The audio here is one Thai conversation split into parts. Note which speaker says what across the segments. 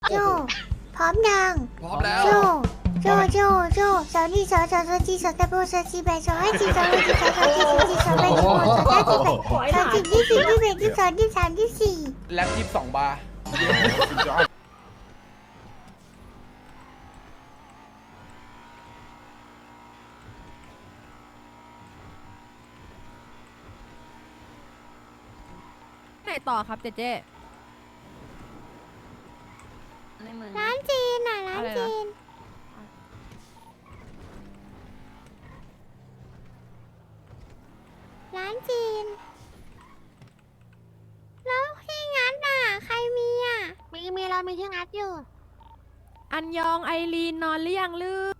Speaker 1: โจพร้อมยัง
Speaker 2: พร้อมแล้ว
Speaker 1: โจสาวนี่สาวจีสาวตะโบสาวจีแบสาวให้จีสาวให้จีสาวจีสาวจีสาวแบสาวสาวจีแบสาวจีที่4ที่8ที่2ที่3ที่4
Speaker 2: แล็บ22 บาร์
Speaker 3: ไหนต่อครับเจเจ
Speaker 4: ในเมือง
Speaker 1: ร้านจีนน่ะร้านจีนร้านจีนแล้วที่งัดอ่ะใครมีอ่ะมีเรามีที่งัดอยู่
Speaker 3: อันยองไอรีนนอนหรือยังลือ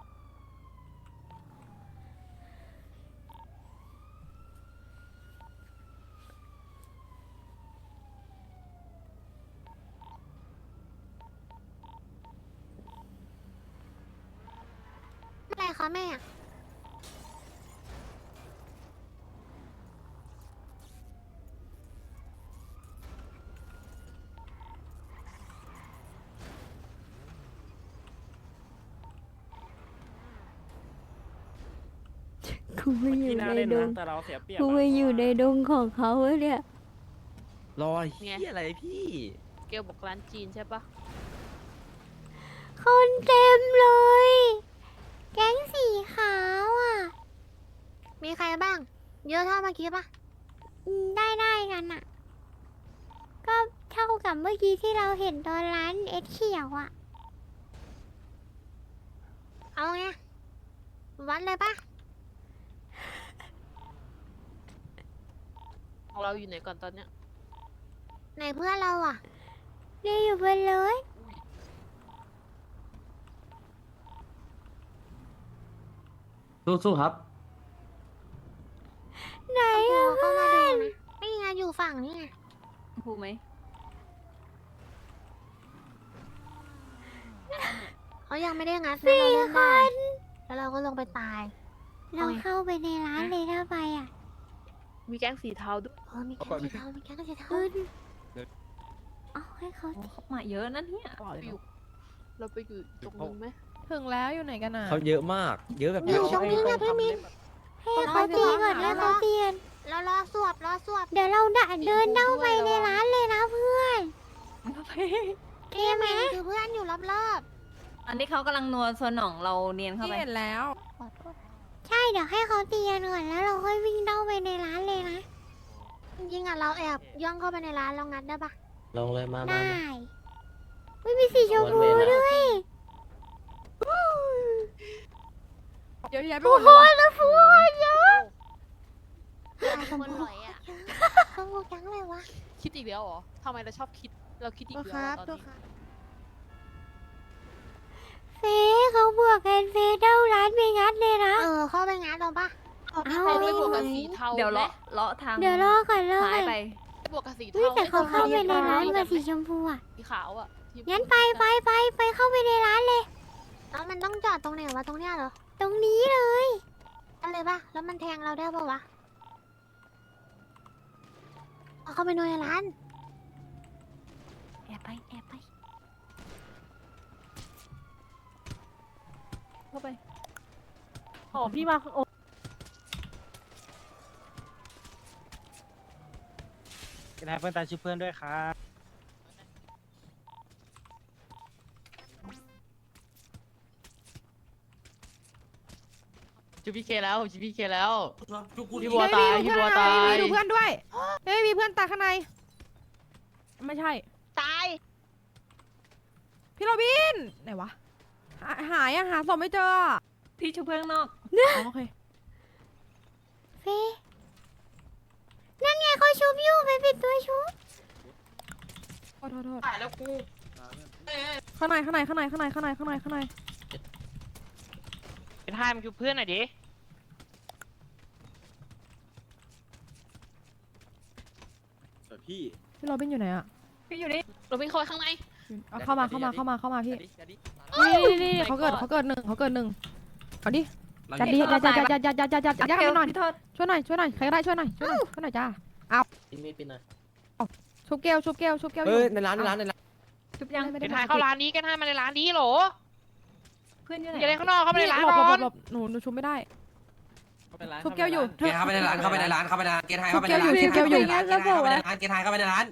Speaker 1: อะไรคะแม่กูไม่อยู่ในดง
Speaker 5: แต่เราเสียเปรียบ
Speaker 1: กูไม่อยู่ในดงของเขาเนี่ย
Speaker 5: รอยเฮียอะไรพี่
Speaker 4: เกลบอกร้านจีนใช่ปะ
Speaker 1: คนเต็มเลย แก๊งสีขาวอ่ะ มีใครบ้าง เยอะเท่าเมื่อกี้ปะได้กันอ่ะ ก็เท่ากับเมื่อกี้ที่เราเห็นตอนร้านเอ็ดเขียวอ่ะ เอาไง วัดเลยปะ
Speaker 4: ของเราอยู่ไหนก่อนตอนเนี้ย
Speaker 1: ไหนเพื่อนเราอ่ะเรียอยู่บนเลย
Speaker 5: สู้ๆครับ
Speaker 1: ไหนอ่ะเพื่อนนี่ไงอยู่ฝั่งนี่ไง
Speaker 4: พูดไหม
Speaker 1: เขายังไม่ได้งัดนะเราเล่นได้แล้วเราก็ลงไปตาย เราเข้าไปในร้านเลยถ้าไปอ่ะ
Speaker 4: มีแก๊งสีเทาด้วย
Speaker 1: มีแค่สีเทามีแค่สีเทาเอาให้เขา
Speaker 4: เขามาเยอะนั่นเนี่ยเราไปอยู่ตรงนู้นไหม
Speaker 3: ถึงแล้วอยู่ไหนกันอ่ะ
Speaker 5: เขาเยอะมาก เยอะแบบ
Speaker 1: อยู่ตรงนี้นะพี่มินให้เขาตีก่อนให้เขาตีกันแล้วรอสวบเดี๋ยวเราเดินเข้าไปในร้านเลยนะเพื่อนเกมไหมคือเพื่อนอยู่รอบ
Speaker 4: อันนี้เขากำลังนัวส่วนหนองเราเนียนเข้า
Speaker 3: พี่
Speaker 4: ไป
Speaker 3: เห็นแล้ว
Speaker 1: ใช่เดี๋ยวให้เขาตีกันก่อนแล้วเราค่อยวิ่งเข้าไปในร้านเลยนะจริงๆอ่ะเราแอบย่องเข้าไปในร้านเรางัดได้ปะ
Speaker 5: ลงเลยมา
Speaker 1: ได้ไม่มีสีชมพูด้วย
Speaker 3: เดี๋ยวแยะไป
Speaker 1: ทุ
Speaker 3: หม
Speaker 1: ก
Speaker 3: ด
Speaker 1: ค
Speaker 3: เลย
Speaker 1: นนะทุกคนเยอะชมพูชมพูจังเลยวะ
Speaker 4: คิดอีกแล้วเหรอทำไมเราชอบคิด เราคิดอีกแล้วตอนนี้
Speaker 1: เฟเขาบวกกันเฟเด้าร้านไปงัดเลยนะเข้าไปงัดเราปะเอา
Speaker 4: เราไปบวกกับสีเทา
Speaker 6: เดี๋ยว
Speaker 4: และ
Speaker 6: เลาะทาง
Speaker 1: เดี๋ยวรอก่อน
Speaker 6: ซ้ายไป
Speaker 4: ไปบวกกับสี
Speaker 1: เฮ้ย
Speaker 4: เทา
Speaker 1: แต่เขาเข้าไปในร้านกับสีชมพูอ่ะ
Speaker 4: สีขาวอ่ะที่
Speaker 1: งั้นไปเข้าไปในร้านเลยแล้วมันต้องจอดตรงไหนวะตรงเนี้ยเหรอตรงนี้เลยอะไรปะแล้วมันแทงเราได้ปะวะเอาเข้าไปในร้านแอบไป
Speaker 4: เข้าไป
Speaker 6: อ๋อพี่มาโอ้
Speaker 5: เป็นไงเพื่อนตายชื่อเพื่อนด้วยครับ
Speaker 4: จูพีเคแล้วจูพีเคแล้ว
Speaker 3: พี่
Speaker 4: บัวตายพี่บัวตาย
Speaker 3: ดูเพื่อนด้วยเฮ้ยมีเพื่อนตายข้างใน ไม่ใช่
Speaker 4: ตาย
Speaker 3: พี่โรบิน ไหนวะ หายอะหาศพไม่เจออะ
Speaker 6: พี่ชุบเพื่อนข้างนอก
Speaker 3: อ๋อโอเค
Speaker 1: เฟนั่นไงเขาชุบอยู่ไปปิดตัวชุบ
Speaker 3: โทษ
Speaker 4: ตายแล้วกู
Speaker 3: ข้างใน
Speaker 5: เป็นไทม์คือเพื่อนหน่อยดิ พี่
Speaker 3: พี่โรบินอยู่ไหนอะ
Speaker 6: พี่อยู่นี่
Speaker 4: เราวิ่งเข้าไปข้างใน
Speaker 3: เอาเข้ามาพี่นี่เขาเกิดหนึ่งเอาดิจัดดิจัดให้หน่อย
Speaker 6: พี่โทษ
Speaker 3: ช่วยหน่อยใครก็ได้ช่วยหน่อยจ้า
Speaker 5: มีดเป็นหน่อย
Speaker 3: ชุบเกลอ
Speaker 5: เฮ้
Speaker 3: ยู่
Speaker 5: ยในร้าน
Speaker 6: ชุบยัง
Speaker 3: ไม่
Speaker 5: เก
Speaker 3: ได้
Speaker 5: นไทยเข้าร้านนี้เกนไทยมาในร้านนี้โหล
Speaker 6: เพื่อนอยู่ไหน
Speaker 5: อย่าเล่นข้างนอกเข้ามาในร้าน
Speaker 3: หลบ
Speaker 5: ก่อน
Speaker 3: หลบหนูชุบไม่ได้
Speaker 2: เข้าไปร้าน
Speaker 3: ชุบแก้วอยู่
Speaker 7: เกณฑ์เข้าไปในร้านเข้าไปในร้านเข้าไปในร้านเกณฑ์ไทยเข้าไปในร้าน
Speaker 3: ชุบแก้วอยู่
Speaker 7: เกณฑ์ไทยเข้าไปในร้านเกณฑ์ไทยเข้าไปในร้าน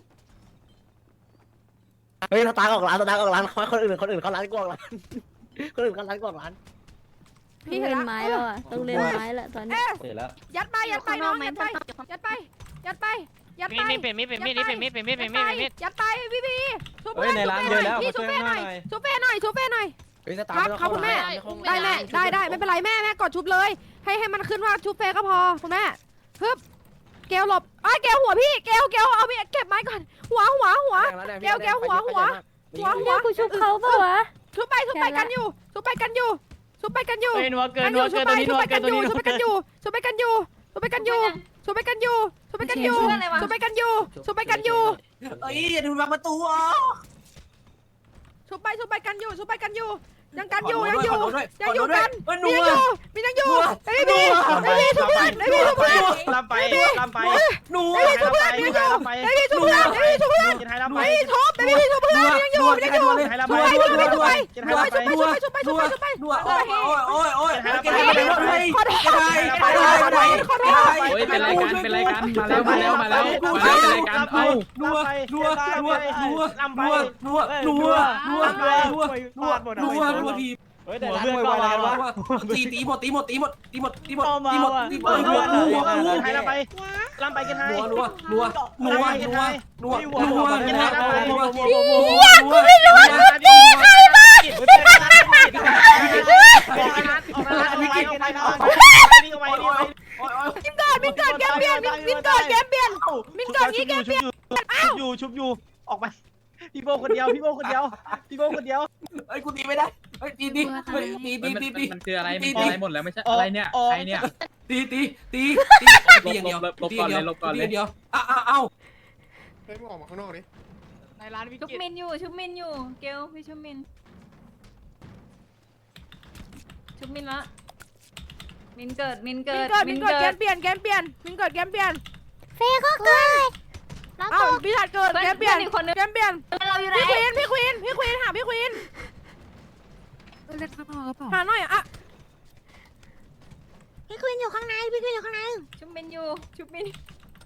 Speaker 8: เฮ้ยสตาร์ออกร้านคนอื่นเขาร้านกว้างร้านคนอื่นเขาร้านกว้างร้าน
Speaker 3: พี่เห็น
Speaker 9: เล่น
Speaker 3: ละ
Speaker 9: ไม้แล้วอ่ะต้องเล่นไม้แล้วตอนนี้
Speaker 3: เอ๊ะ
Speaker 2: เสร็จแล้ว
Speaker 3: ยัดไปน้องยัดไปยัดไปยัดไปยัด
Speaker 5: มี
Speaker 3: ไป
Speaker 5: ดเป็นมีดเป็นมีดนี่เป็นมีดเป็นมีดเป็นมีดเป็นมีด
Speaker 3: ยัดไปพี่ชุบ
Speaker 2: เฮ้ยในร้านเยอะแล้ว
Speaker 3: พี่
Speaker 2: มา
Speaker 3: ชุ
Speaker 2: ช่
Speaker 3: บ
Speaker 2: วย
Speaker 3: เฟ่ห
Speaker 2: ห
Speaker 3: น่
Speaker 2: น่
Speaker 3: อ
Speaker 2: อย ย
Speaker 3: ชุบเฟ่หน่อยชุบเฟ่หน่อย
Speaker 8: เฮ้ยสตาร์ไม่ต้องเข้า
Speaker 3: ครับคุณแม่
Speaker 8: ร้าน
Speaker 3: ได้ไม่เป็นไรแม่กดชุบเลย ให้มันขึ้นว่าชุบเฟ่ก็พอคุณแม่ฮึบเกลหลบไอ้เกลหัวพี่เกลเอาพี่เก็บไม้ก่อนหัวเกลหัว
Speaker 9: กูชุบเขาเปล่าวะ
Speaker 3: ชุบไปกันอยู่ชุบไปกันอยู่
Speaker 5: เฮ้ยนัวเกิน
Speaker 3: ชุบไปกันอยู่ชุบไปกันอยู่
Speaker 7: เอ้ยอย่าดูมาประตูอ๋อ
Speaker 3: ชุบไปกันอยู่ยังกันอยู่
Speaker 7: ข
Speaker 3: ยัง
Speaker 7: โทษ
Speaker 3: อยู่
Speaker 7: ด้วย
Speaker 3: ยังอยู่
Speaker 7: ขโทษด้วย
Speaker 3: กัน
Speaker 7: เอ้ยห
Speaker 3: มี
Speaker 7: นู
Speaker 3: ยังอ
Speaker 7: อะ
Speaker 3: ยู่มียังอยู่ไอ้พี่ชุบเพื่อนไอ้พี่ชุบเพื่อน
Speaker 5: ลำไปลำไป
Speaker 7: หนู
Speaker 5: ไอ้พี่ชุบเพื่อนมีอยู่ไอ้พี่ชุบเพื่อนไอ้พี่ชุบเพื่อนเกนไทยลำไป
Speaker 3: ไอ้ชุบเพื่อนยังอยู่ยังอยู่
Speaker 5: เกนไทยลำไป
Speaker 3: ชุบไป
Speaker 7: โอ้ยเกณฑ์ไทยไปรถให้
Speaker 3: ขอโทษ
Speaker 7: เกณฑ์ไทยไปรถให้
Speaker 2: เฮ้ยเป็นรายการเป็นรายการมาแล้วเป็นรายการเอ้า
Speaker 7: นัวที
Speaker 5: เฮ้ยแต่ร้านมวยอะไรกันวะ
Speaker 7: ตีหมดเกณฑ์ไทย
Speaker 5: ลำไปเกนไทย
Speaker 3: มินเกิดแกมเปลี่ยนมินเกิดงี้แกมเปลี่ยน
Speaker 5: ชุบอยู่ออกไปพี่โบคนเดียว
Speaker 7: ไอ้กูตีไม่ได้ไอ้ตี
Speaker 2: มันคืออะไรมันอะไรหมดแล้วไม่ใช่อะไรเนี่ยใครเนี่ย
Speaker 7: ตีอย่างเดียวเอ้า
Speaker 10: เฮ้ยมึงออกมาข้างนอกดิ
Speaker 5: ในร้านวิก
Speaker 6: ชุบ
Speaker 5: ฤต
Speaker 6: มินอยู่เกลพี่ชุบมินละมินเกิด
Speaker 3: มินเกิดแกมเปลี่ยนมินเกิดแกมเปลี่ยน
Speaker 1: เฟย์ก็เกิดแล้ว
Speaker 3: เอ้า
Speaker 1: ก็
Speaker 3: พี่ชัดเกิดแกมเปลี่ยน
Speaker 6: อีกคนนึง
Speaker 3: แกมเปลี่ยน
Speaker 6: เราอยู่ไหน
Speaker 3: พี่ควีนหาพี่ควีนหาหน่อยอ่ะ
Speaker 1: พี่ควินอยู่ข้างใน
Speaker 6: ชุบมินอยู่ชุบมิน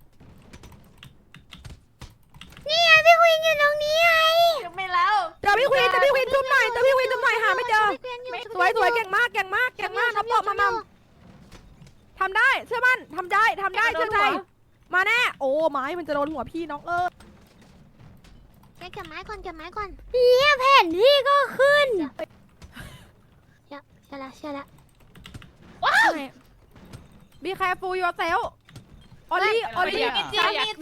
Speaker 1: นี่ไงพี่ควินอยู่ตรงนี้ไง
Speaker 6: ชุบมินแล้ว
Speaker 3: เจอพี่ควีนจุ๊บหน่อยหาไม่เจอ สวยเก่งมากน้องปอบมาทำได้เชื่อมั่นทำได้เชื่อใจมาแน่โอ้ไม้มันจะโดนหัวพี่น้อง
Speaker 1: เก็บไม้ก่อนเฮียแผ่นที่ก็ขึ้นเชื่อละ
Speaker 3: Be careful yourself ออลลี่มีจิ้ม
Speaker 1: ออกห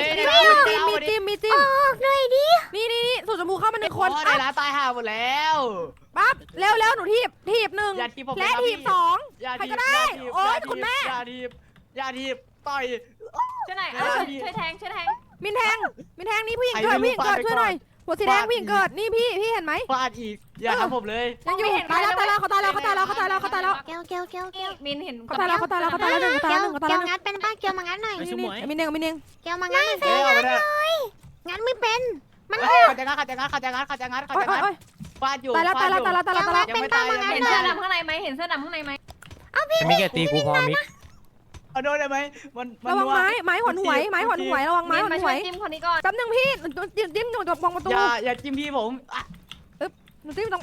Speaker 1: น่อยดิ
Speaker 3: นี่สูตรชมพูเข้ามา1 คน
Speaker 5: ในร้านตายห่าหมดแล้ว
Speaker 3: ปั๊บเร็วหนูถีบ1
Speaker 5: อย่าทีบผม
Speaker 3: และถีบ2ใครก็ได้โอ๊ยคุณแม่
Speaker 5: อย่าทีบต่อย
Speaker 6: ช่วยหน่อยช่วยแทง
Speaker 3: มินแทงนี่ผู้หญิงเกิดช่วยหน่อยหัวสีแดงผู้หญิงเกิดนี่พี่เห็นไหม
Speaker 5: ฟาดอีกอย่าทำผมเลย
Speaker 3: ยังอยู่ตายแล้วเขาตายแล้ว
Speaker 1: เกล
Speaker 6: มินเห็น
Speaker 3: เขาตายแล้ว1
Speaker 1: เกลงัดเป็นป้าเกลมางัดหน่อย
Speaker 3: มินเอง
Speaker 1: เกลมางัดหน่อยเฟย์งัดไม่เป็นมัน
Speaker 5: เขาจะงัดฟาดอยู่
Speaker 3: ตายแล้ว
Speaker 1: เกลงัดเป็นป้ามางัด
Speaker 6: เห็น
Speaker 1: หน่
Speaker 6: เสื้
Speaker 1: อ
Speaker 6: อย ดำข้างในไหมเห็นเสื้อดำข้างในไหม
Speaker 5: มิกแกตีกูพอมิกเอาโดนได้ไหมมัน
Speaker 3: ระวังไม้หอนหวยระวังไม้หอน
Speaker 6: มา
Speaker 3: ห
Speaker 6: ช่
Speaker 3: ว
Speaker 6: วย
Speaker 3: ย
Speaker 6: จิ้มคนนี้ก่อน
Speaker 3: แป๊บนึงพี่จิ้มหนูจะมองประตู
Speaker 5: อย่าจิ้มพี่ผม
Speaker 3: หนูจิ้มตรง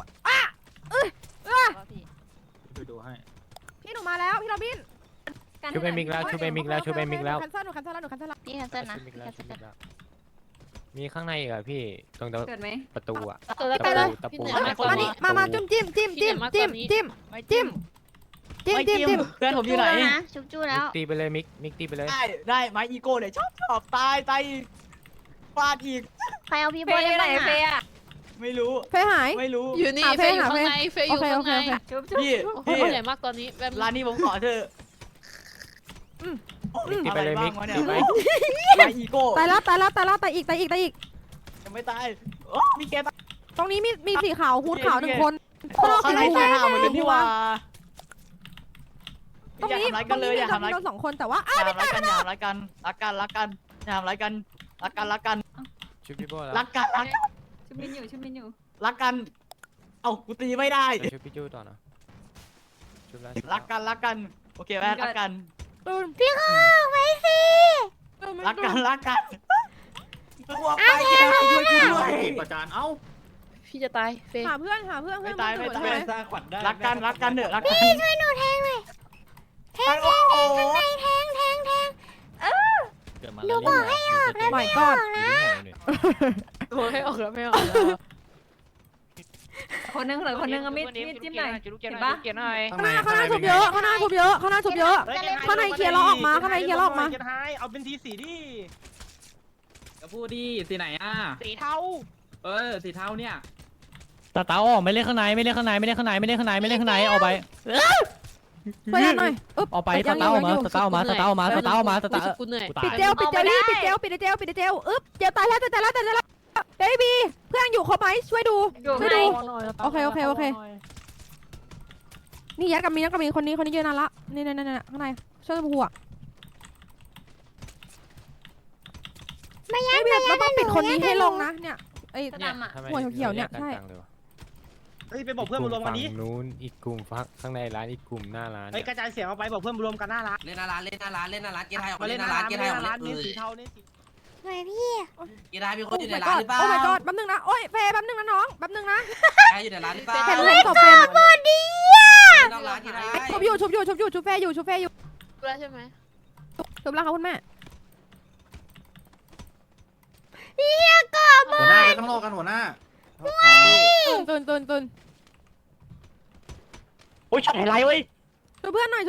Speaker 5: ดูให้
Speaker 3: พี่หนูมาแล้วพี่โรบิน
Speaker 5: ชุบไปมิกแล้ว
Speaker 3: คันเซิลหนูคันเซิลแล้ว
Speaker 6: พี่แคนเซิลนะ
Speaker 5: มีข้างในอีกอะพี่ตรง
Speaker 6: เกิดไหม
Speaker 5: ประตูอะ
Speaker 3: ไปเลย
Speaker 5: ตะปู
Speaker 3: มาจิ้มเ
Speaker 5: พื่อนผมอยู่ไหน
Speaker 1: ชุบจูแล้ว
Speaker 5: ตีไปเลยมิกตีไปเลย
Speaker 8: ได้ไม้อีโก้เลยชอบตายฟาดอีก
Speaker 1: ใครเอาพี่
Speaker 6: เฟ
Speaker 1: โบ
Speaker 6: ย์
Speaker 1: ได้
Speaker 6: ไหน
Speaker 1: บ้าง
Speaker 6: เฟ
Speaker 1: อ่ะ
Speaker 6: ย์อะ
Speaker 8: ไม่รู้
Speaker 3: เฟยหาย
Speaker 8: ไม่รู้
Speaker 9: อยู่นี่เฟย์อยู่ข้างในเฟย์อยู่ข้างใน
Speaker 6: ชุบ
Speaker 8: พี่
Speaker 9: โอ้โหใหญ่มากตอนนี้แบบ
Speaker 8: ร้านนี้ผมขอเธอ
Speaker 5: ตีไปเลยมิก
Speaker 8: อะไร
Speaker 5: ตี
Speaker 8: บ้าง
Speaker 5: ไป
Speaker 8: วะเนี่ยไม้อีโก้
Speaker 3: ตายแล้วตายอีก
Speaker 8: ยังไม่ตายมีแกตาย
Speaker 3: ตรงนี้มีสีขาวฮูดขาว1 คน
Speaker 8: ข้างในตายห่าหมดเลยพี่ว่า
Speaker 3: ตรงนี้
Speaker 8: อย่าทำร้ายกันเลยอย่าทำร้าย
Speaker 3: โดน2 คนแต่ว่า
Speaker 8: อย่าทำร้ายกันอย่าทำร้ายกันรักกันอย่าทำร้ายกันรักกัน
Speaker 5: ชุบพี่โบ้แล้ว
Speaker 8: รักกัน
Speaker 6: มินอยู่ชุบมินอยู่
Speaker 8: รักกัน เอ้ากูตีไม่ได้
Speaker 5: ช่วยพี่จูต่อนะช่วยแล้ว
Speaker 8: รักกัน โอเคไหมรักกัน
Speaker 3: ตื่น
Speaker 1: พี่ข้าวไว้สิ
Speaker 8: รักกันกลัวไปช่วยด้วย
Speaker 10: ประจานเอ้า
Speaker 9: พี่จะตายเฟย์
Speaker 3: หาเพื่อน
Speaker 8: ไม่
Speaker 3: เพื่อน
Speaker 8: ตายไม่ตาย
Speaker 3: ใช่ไหม
Speaker 5: สร้างขวัญได้
Speaker 8: รักกันเถอะรักกัน
Speaker 1: พี่ช่วยหนูแทงหน่อยแทงข้างในแทงหนูบอกให้ออกแล้ว
Speaker 3: ไม่
Speaker 1: ไม่
Speaker 3: ก็
Speaker 1: ออกนะ
Speaker 9: ตัวให้ออกแล้วไม่ออกแล้ว
Speaker 6: คนนึงเหลือคนนึงอะมิดจิ้มหน่อยเห็นปะ
Speaker 3: ข้างหน้าชุบเยอะข้างหน้าชุบเยอะข้างในเคลียร์เราออกมาข้างในเคลียร์เราออกมา
Speaker 5: เอาเป็นทีสีดิ
Speaker 2: จะพูดดิสีไหนอ่ะ
Speaker 5: สีเทา
Speaker 2: สีเทาเนี่ย
Speaker 5: ตาเต้าออกไม่เล่นข้างในไม่เล่นข้างในไม่เล่นข้างในไม่เล่นข้างในไม่เล่นข้างในออกไป
Speaker 3: เพื่อนหน่อยอึ๊บ
Speaker 5: ออกไปตาเต้ามาตาเต้ามาตาเต้ามาตาเต้ามาตาเต้า
Speaker 9: กูเหนื่อย
Speaker 3: ปิดเจลปิดเจลอึ๊บเจลตายแล้วเบบี้เพื่อนอยู่ครบไหมช่วยดู
Speaker 6: อยู่
Speaker 3: ช่วย
Speaker 6: ใน
Speaker 3: ดูโอเคนี่ยัดกับมีคนนี้เยอะนานละนี่ข้างในช่วยหัว
Speaker 1: ไม่ยัด
Speaker 3: ไม่เราต้องปิดคนนี้ให้ลงนะเนี่ยไอ้
Speaker 6: สนามอะ
Speaker 3: หัวเขียวๆเนี่ยใช่
Speaker 5: เฮ้ยไปบอกเพื่อนมารวมกันนี้
Speaker 11: นู้นอีกกลุ่มฟักข้างในร้านอีกกลุ่มหน้าร้าน
Speaker 5: เฮ้ยกระจายเสียงออกไปบอกเพื่อนมารวมกันหน้าร้าน
Speaker 7: เล่นหน้าร้านเล่นหน้าร้านเล่นหน้าร้านเกียร์ไทยออก
Speaker 5: มา
Speaker 7: มา
Speaker 5: เล่
Speaker 7: เล่
Speaker 5: น
Speaker 7: น
Speaker 5: ห
Speaker 7: ห
Speaker 5: น้า
Speaker 7: น้า
Speaker 5: ร้า
Speaker 7: ร้าน น
Speaker 5: เล่
Speaker 7: เกียร์ไทยออกมาเล่น
Speaker 5: นหน้าร้านนี่สีเทานี่สี
Speaker 1: สวยพี่
Speaker 7: เกียร์ไทยมีคนอยู่ในร้านหรือเปล่า
Speaker 3: โอ้ my god แป๊บนึงนะโอ้ยเฟย์แป๊บนึงนะน้องแป๊บนึงนะ
Speaker 7: ใครอยู่ในร้านหรือเปล่า
Speaker 3: เห็นศพเฟย์
Speaker 1: บอดี้อ่ะ
Speaker 7: นอกร้านเกียร์ไทย
Speaker 3: ชุบอยู่ชุบเฟย์อยู่
Speaker 9: รู้แล้วใช่ไหม
Speaker 3: ชุบแล้วค่ะคุณแม่
Speaker 1: เฮียกอบ
Speaker 10: หัวหน้าไปข้างนอกกันหัวหน้า
Speaker 3: ตื่น
Speaker 8: โอ้ยช็อตไฮไลท์เว้ย
Speaker 3: ชุบเพื่อนหน่อย
Speaker 7: มา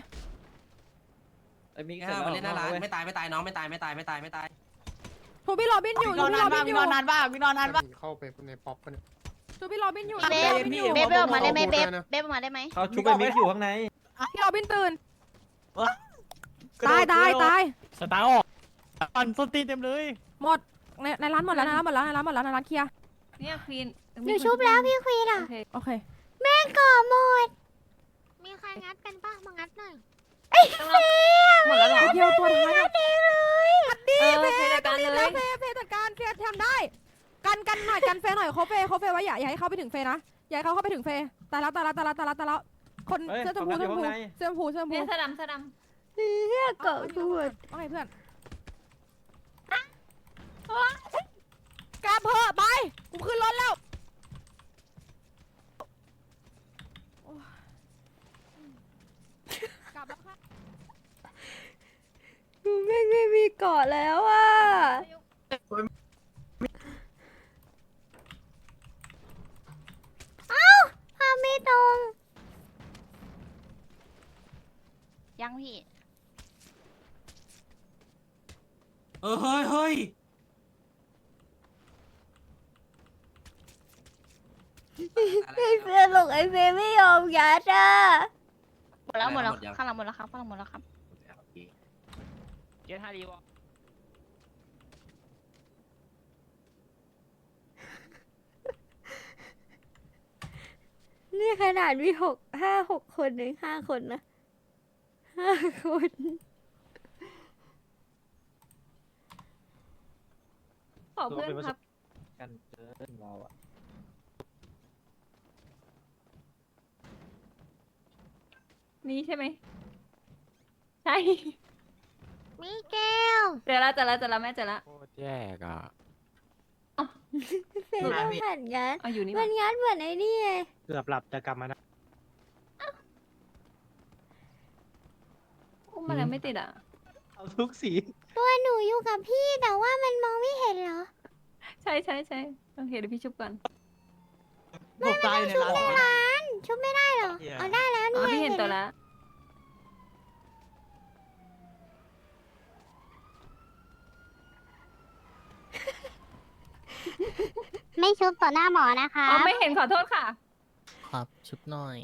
Speaker 7: เล่นหน้าร้านไม่ตายน้องไม่ตาย
Speaker 3: ชุบพี่โรบินอยู่
Speaker 8: นอนนานบ้างนอนนานบ้าง
Speaker 10: เข้าไปในป๊อปกันเนี่ย
Speaker 3: ชุบพี่โรบินอยู่
Speaker 8: เบฟ
Speaker 6: เบฟออกมาได้ไหมเบฟออกมาได้ไหม
Speaker 5: เขาชุบไปมิกอยู่ข้างใน
Speaker 3: พี่โรบินตื่น ตาย
Speaker 5: สตาร์ออกปั่นส้นตีนเต็มเลย
Speaker 3: หมดในร้านหมดแล้วในร้านเคลียร์
Speaker 6: เนี่ยควีน
Speaker 1: หนูชุบแล้วพี่ควีนอ่ะ
Speaker 3: โอเค
Speaker 1: แม่ก่อหมด มีใครงัดกันป่ะมางัดหน่อย
Speaker 6: หมดแล้วเหรอ
Speaker 3: เดียวตัวท้าย
Speaker 1: เด็กเลย
Speaker 6: เฟย์จัดการเลย
Speaker 3: เฟย์จัดการเฟย์ทำได้ กันหน่อยกันเฟย์หน่อยเขาเฟย์ไว้อย่าให้เข้าไปถึงเฟย์นะอย่าให้เขาเข้าไปถึงเฟย์ตายแล้วคนเสื้อชมพู
Speaker 6: เนี่ยสนาม
Speaker 1: เฮียก่อหมด
Speaker 3: ว่าไงเพื่อนกลับเถอะไปกูขึ้นรถแล้วกลับแล้วค่ะ
Speaker 9: ไม่มีเกาะแล้วอ่ะ
Speaker 1: ภาพไม่ตรง
Speaker 6: ยังพี่
Speaker 7: เฮ้ย
Speaker 1: ไอเฟย์หลงไอเฟย์ไม่ยอมยัดอ่ะ
Speaker 6: หมดแล้วข้างหลังหมดแล้วครับ
Speaker 5: เกียร์ท่าดีวะ
Speaker 9: นี่ขนาดมี6 คนถึง5 คนนะ5 คน
Speaker 6: ขอเพื่อนครับ
Speaker 5: กันเกินเราอะ
Speaker 6: นี่ใช่ไหมใช่
Speaker 1: มีแก้ว
Speaker 6: เจอแล้วแม่เจอแล้ว
Speaker 11: โคตรแย่อ่ะ
Speaker 1: เฟย์ต้องผ่านงัด
Speaker 6: เอาอยู่นี่
Speaker 1: มันงัดเหมือนไอ้นี่ไง
Speaker 5: เกือบหลับจะกลับมานะ
Speaker 6: อุ้มอะไรไม่ติดอ่ะ
Speaker 5: เอาทุกสี
Speaker 1: ตัวหนูอยู่กับพี่แต่ว่ามันมองไม่เห็นเหรอ
Speaker 6: ใช่โอเคเดี๋ยวพี่ชุบก่อน
Speaker 8: ผมตายในร้าน
Speaker 1: ร้านชุบไม่ได้เหรอ เอาได้แล้ว
Speaker 6: อ๋
Speaker 1: นี่
Speaker 6: อพี่เห็นตัวแล้ว
Speaker 1: ไม่ชุบต่อหน้าหมอนะคะ
Speaker 6: อ๋อไม่เห็นขอโทษค่ะ
Speaker 8: ครับชุบหน่อย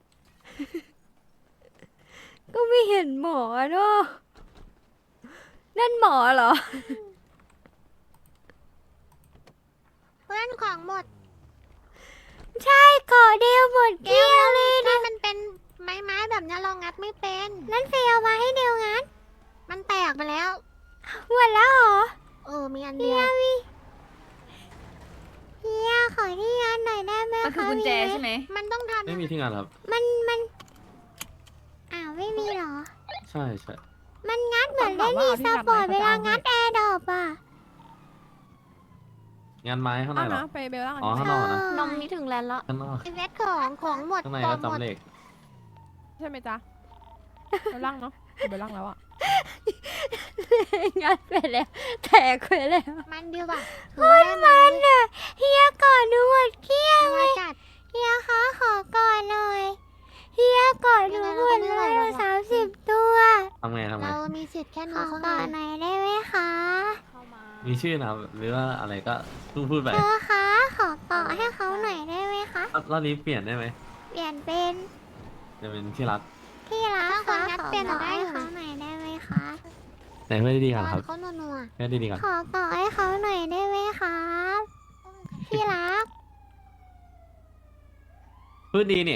Speaker 9: ก็ไม่เห็นหมอเนาะนั่นหมอเหรอ
Speaker 1: เพื่อนของหมด ใช่ก่อเดียวหมดเกลี้ยงเลยนะมันเป็นไม้แบบนี้เรางัดไม่เป็น นั่นเฟย์เอามาให้เดียวงัด มันแตกไปแล้ว หมดแล้วเหรอ มีอันเดียวเฮียยขอที่งานหน่อยได้ไหม
Speaker 6: มันคือกุญแจใช่ไหม
Speaker 1: มันต้องทำ
Speaker 11: ไม่มีที่งานครับ
Speaker 1: มันอ้าวไม่มีเหรอ
Speaker 11: ใช่ใช่
Speaker 1: มันงัดเหมือนเล่นอีสปอร์ตเวลางัดแอร์ดรอปอ่ะ
Speaker 11: งานไม้ข้างใน
Speaker 3: เอา
Speaker 11: เหรอ
Speaker 3: นะไปเบลล่าง
Speaker 11: อ๋อข้างนอกนะ
Speaker 6: นมนี่ถึงแลนด์แล้ว
Speaker 11: ข้างนอก
Speaker 1: ไอเวทของหมด
Speaker 11: ข้างใน
Speaker 1: ขอ
Speaker 11: ก็
Speaker 1: งหมด
Speaker 11: จำเลข
Speaker 3: ใช่ไหมจ๊ะเบลล่างเนาะเบลล่างแล้วอ่ะ
Speaker 9: งัดไปแล้วแตกไปแล้ว
Speaker 1: มันดีว่ะคนมันอ่ะเฮียก่อนหนูหมดเกลี้ยงเลยเฮียคะขอก่อนหน่อยเฮียก่อนหนูหมดเลย30 ตัว
Speaker 11: ทำไง
Speaker 1: เรามีสิทธิ์แค่นี้ขอก่อนหน่อยได้ไหมคะ
Speaker 11: มีชื่อนะครับหรือว่าอะไรก็พูดไป
Speaker 1: เธอคะขอเกาะให้เขาหน่อยได้ไหมคะ
Speaker 11: รอบนี้เปลี่ยนได้ไหม
Speaker 1: เปลี่ยนเป็น
Speaker 11: จะเป็นที่รัก
Speaker 1: ที่รักคะขอเปลี่ยนให้เขาหน่อยได้ไหมคะ
Speaker 11: แต่เพื่อนดีๆกันครับ
Speaker 1: เขานัว
Speaker 11: เพื่อนดีๆกัน
Speaker 1: ขอเกาะให้เขาหน่อยได้ไหมครับที่รัก
Speaker 11: พูดดีเนี่ย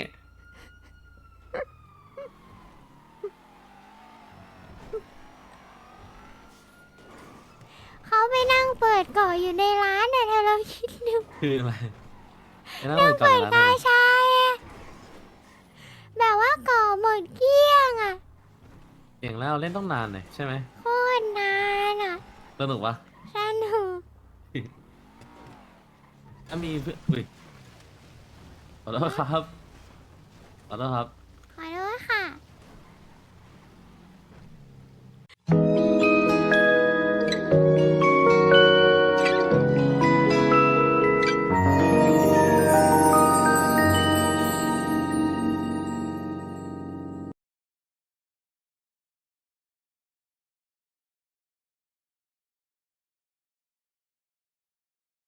Speaker 1: เขาไปนั่งเปิดเกาะอยู่ในร้านน่ะเธอลองคิดดู
Speaker 11: คืออะไรไม่ต้องไปจอดร้าน
Speaker 1: กา
Speaker 11: เลย
Speaker 1: ชายอะแบบว่าเกาะหมดเกลี้ยงอ่ะ
Speaker 11: เก่งแล้วเล่นต้องนานเลยใช่ไหม
Speaker 1: โคตรนานอ่ะ
Speaker 11: สนุกปะ
Speaker 1: สนุก
Speaker 11: ถ้ามีเพื่อนอุ้ยขอโทษครับขอโทษครับ